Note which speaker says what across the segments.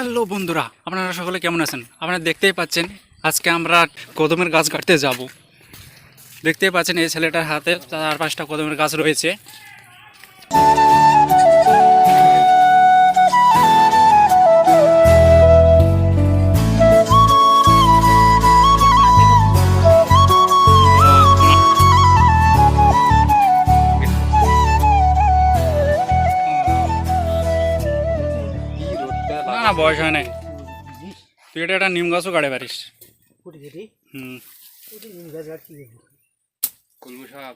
Speaker 1: Hello বন্ধুরা, আপনারা সকলে কেমন আছেন? আপনারা দেখতেই পাচ্ছেন আজকে আমরা কদমের গাছ কাটতে যাব। দেখতেই পাচ্ছেন এই ছেলেটার হাতে 4-5টা কদমের গাছ রয়েছে। না না, বয়স হয় নাই। তুই এটা একটা নিম গাছও কাটে পারিস। হুম,
Speaker 2: কলমি শাক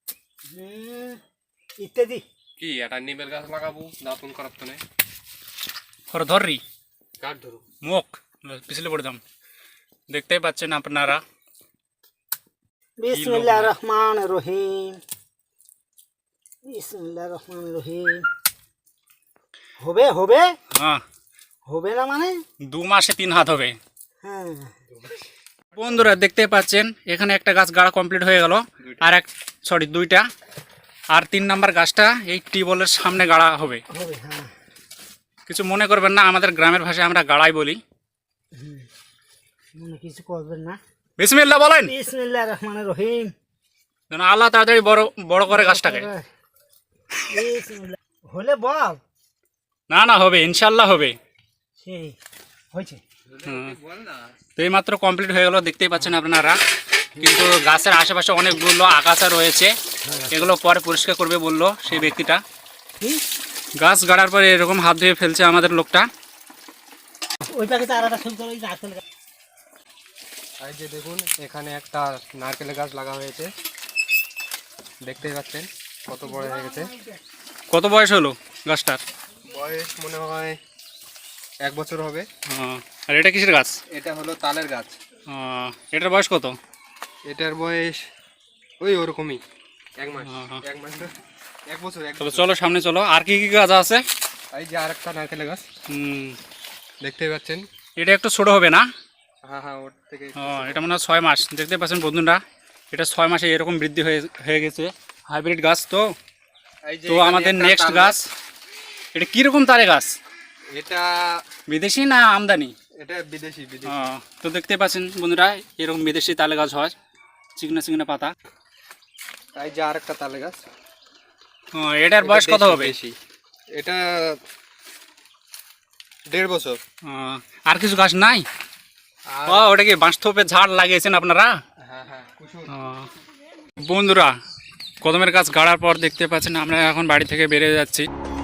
Speaker 3: ইত্যাদি
Speaker 2: কি এটা নিমের গাছ লাগাবো, দাঁতন করার তো নেই।
Speaker 1: ধরি
Speaker 2: কাঠ ধরো
Speaker 1: মুখ পিছলে পড়তাম। দেখতেই পাচ্ছেন আপনারা।
Speaker 3: বিসমিল্লাহির রহমানির রহিম। বিসমিল্লাহির রহমানির রহিম। হবে হবে
Speaker 1: হ্যাঁ,
Speaker 3: হবে না মানে
Speaker 1: 2 মাসে 3 হাত হবে।
Speaker 3: হ্যাঁ
Speaker 1: বন্ধুরা দেখতে পাচ্ছেন এখানে একটা গাছ গাড়া কমপ্লিট হয়ে গেল, আর দুইটা, আর 3 নাম্বার গাছটা এই টিউবওয়েলের সামনে গাড়া হবে।
Speaker 3: হবে হ্যাঁ।
Speaker 1: কিছু মনে করবেন না, আমাদের গ্রামের ভাষায় আমরা গাড়াই বলি।
Speaker 3: মনে কিছু করবেন না।
Speaker 1: বিসমিল্লাহ বলেন।
Speaker 3: বিসমিল্লাহির রহমানির রহিম।
Speaker 1: যেন আল্লাহ তাড়াতাড়ি বড় বড় করে গাছটাকে।
Speaker 3: বিসমিল্লাহ। হলে বল।
Speaker 1: না না, হবে, ইনশাল্লাহ হবে।
Speaker 3: সেই হয়েছে।
Speaker 1: তো এই মাত্র কমপ্লিট হয়ে গেল, দেখতেই পাচ্ছেন আপনারা। কিন্তু গাছের আশেপাশে অনেকগুলো আগাছা রয়েছে, এগুলো পরে পরিষ্কার করবে বললো সেই ব্যক্তিটা।
Speaker 3: কি
Speaker 1: গাছ গাড়ার পরে এরকম হাত ধুয়ে ফেলছে আমাদের লোকটা।
Speaker 3: ওই প্যাকেটে আলাদা ফুল করে নারকেল গাছ।
Speaker 2: এই যে দেখুন, এখানে একটা নারকেলের গাছ লাগা হয়েছে, দেখতেই পাচ্ছেন কত বড় হয়ে গেছে।
Speaker 1: কত বয়স হলো গাছটার?
Speaker 2: বয়স মনে হয় 1 বছর হবে।
Speaker 1: আর এটা কিসের গাছ?
Speaker 2: এটা হলো তালের গাছ।
Speaker 1: এটার বয়স কত?
Speaker 2: এটার বয়স ওই ওরকমই 1 মাস।
Speaker 1: হ্যাঁ।
Speaker 2: 1 মাস 1 বছর।
Speaker 1: তবে চলো সামনে চলো, আর কি কি গাছ আছে?
Speaker 2: এই যে আরেকটা নারকেলের গাছ দেখতেই পাচ্ছেন।
Speaker 1: এটা একটু ছোট হবে না?
Speaker 2: হ্যাঁ হ্যাঁ, ওর থেকে
Speaker 1: এটা মনে হয় 6 মাস। দেখতে পাচ্ছেন বন্ধুরা, এটা 6 মাসে এরকম বৃদ্ধি হয়ে গেছে। হাইব্রিড গাছ তো।
Speaker 2: এই যে
Speaker 1: তো
Speaker 2: এখানে
Speaker 1: আমাদের
Speaker 2: একটা
Speaker 1: নেক্সট
Speaker 2: তাল
Speaker 1: গাছ, এটা কীরকম তারে গাছ?
Speaker 2: এটা
Speaker 1: বিদেশি না আমদানি?
Speaker 2: এটা বিদেশি।
Speaker 1: তো দেখতে পাচ্ছেন বন্ধুরা, এরকম বিদেশি তালে গাছ হয়, চিকনা চিকনা পাতা।
Speaker 2: এই যে আরেকটা তালে গাছ।
Speaker 1: এটার বয়স কত হবে?
Speaker 2: এটা 1.5 বছর।
Speaker 1: আর কিছু গাছ নাই? ওটা কি বাঁশথোপের ঝাড় লাগিয়েছেন আপনারা?
Speaker 2: হ্যাঁ হ্যাঁ, কুসুম।
Speaker 1: বন্ধুরা, কদমের গাছ গাড়ার পর দেখতে পাচ্ছেন আমরা এখন বাড়ি থেকে বেরিয়ে যাচ্ছি।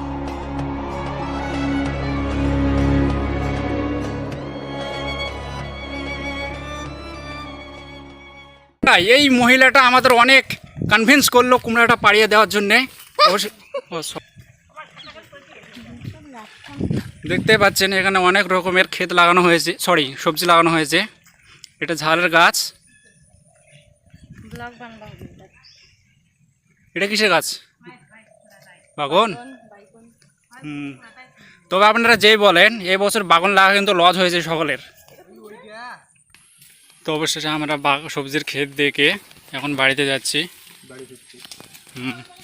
Speaker 1: এই মহিলাটা আমাদের অনেক কনভিন্স করলো কুমড়াটা পাড়িয়ে দেওয়ার জন্যে। দেখতে পাচ্ছেন এখানে অনেক রকমের ক্ষেত লাগানো হয়েছে, সবজি লাগানো হয়েছে। এটা ঝালের গাছ। এটা কিসের গাছ? বাগন। তবে আপনারা যেই বলেন, এই বছর বাগন লাগা কিন্তু লস হয়েছে সকলের। তো অবশেষে আমরা সবজির ক্ষেত দেখে এখন বাড়িতে যাচ্ছি।